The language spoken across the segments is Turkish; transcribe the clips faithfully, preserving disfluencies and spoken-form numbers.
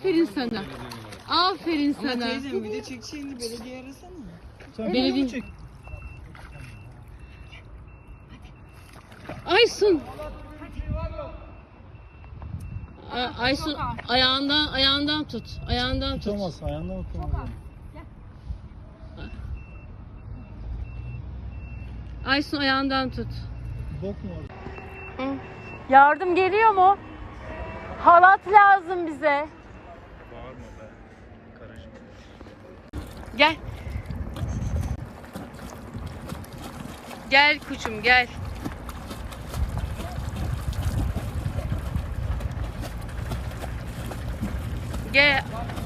Aferin sana. Aferin Ama sana. teyzem bir de çekeceğini belediye arasana. Sen Belediye- çek. Aysun. A- Aysun ayağından ayağından tut. Ayağından tut. Tutamaz, ayağından tutamaz. Aysun ayağından tut. Bok mu var? Yardım geliyor mu? Halat lazım bize. Bağırma be. Karışma. Gel. Gel kuçum gel. Gel.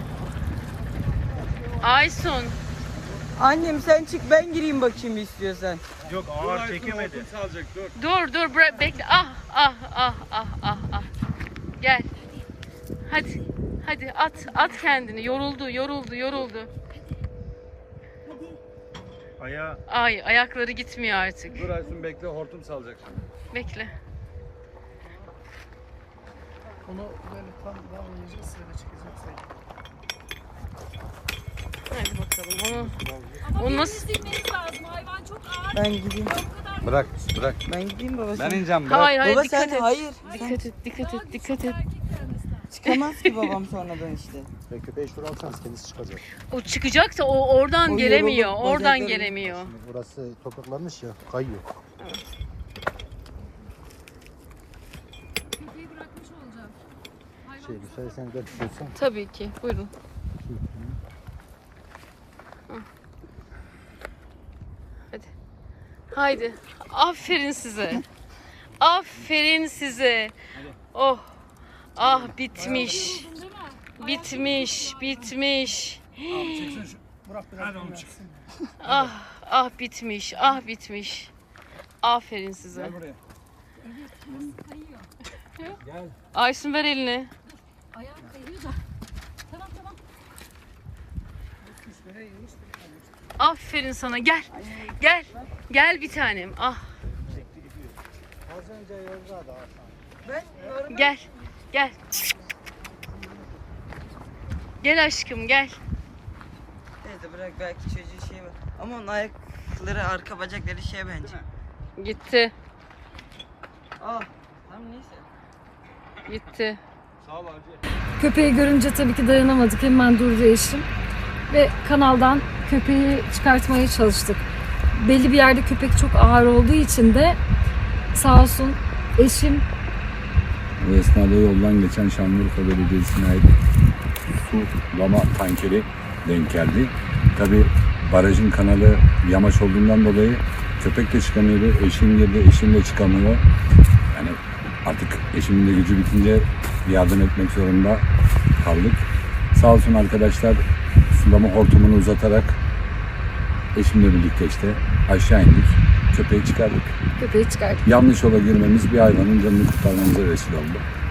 Aysun. Annem sen çık ben gireyim bakayım istiyorsan. Yok ağır çekemedi. Dur dur bırak bekle. Ah ah ah ah ah ah. Gel. Hadi. Hadi at at kendini. Yoruldu yoruldu yoruldu. Ayağı Ay ayakları gitmiyor artık. Dur Aysun bekle, hortum salacak şimdi. Bekle. onu böyle tam daha oynayacak sırada çekeceksin. Hadi bakalım. Onu, onu nasıl? lazım. Hayvan çok ağır. Ben gideyim. Bırak, bırak. Ben gideyim baba. Ben sen- ineceğim, bırak. Hayır hayır Baba dikkat sen et. hayır. Dikkat Sen et dikkat et dikkat et. çıkamaz ki babam sonradan işte. Ve köpeği şuraya alsanız kendisi çıkacak. O çıkacaksa o oradan O gelemiyor. yoruldu, Oradan bacakları- gelemiyor. Şimdi burası topraklanmış ya, kayıyor. Köpeği bırakmış olacağım. Hayvan Şey, müsaitsen de tutulsan. Tabii ki. Buyurun. Hadi. Haydi. Aferin size. Aferin size. Oh. Ah bitmiş. Bitmiş. Bitmiş. Ah ah bitmiş. Ah bitmiş. Aferin size. Gel buraya. Aysun ver elini. ayağım kayıyor da. Tamam tamam. Aferin sana. Gel. Gel. Gel bir tanem. Ah. Az önce yolda da. Ben Gel. Gel. Gel aşkım gel. teyze bırak belki çocuğu şey var. Ama onun ayakları arka bacakları şey bence. Gitti. Ah. Tamam neyse. Gitti. Sağ ol Hacı. Köpeği görünce tabii ki dayanamadık. Hemen durdu eşim. Ve kanaldan köpeği çıkartmaya çalıştık. Belli bir yerde köpek çok ağır olduğu için de sağ olsun eşim O esnada yoldan geçen Şanlıurfa Belediyesi'ne ait sulama tankeri denk geldi. Tabi barajın kanalı yamaç olduğundan dolayı köpek de çıkamıyordu. Eşim girdi, eşim de çıkamıyor. Yani artık eşimin de gücü bitince yardım etmek zorunda kaldık. Sağ olsun arkadaşlar sulama hortumunu uzatarak eşimle birlikte işte aşağı indik. Köpeği çıkardık. köpeği çıkarttık. Yanlış yola girmemiz bir hayvanın canını kurtarmamıza vesile oldu.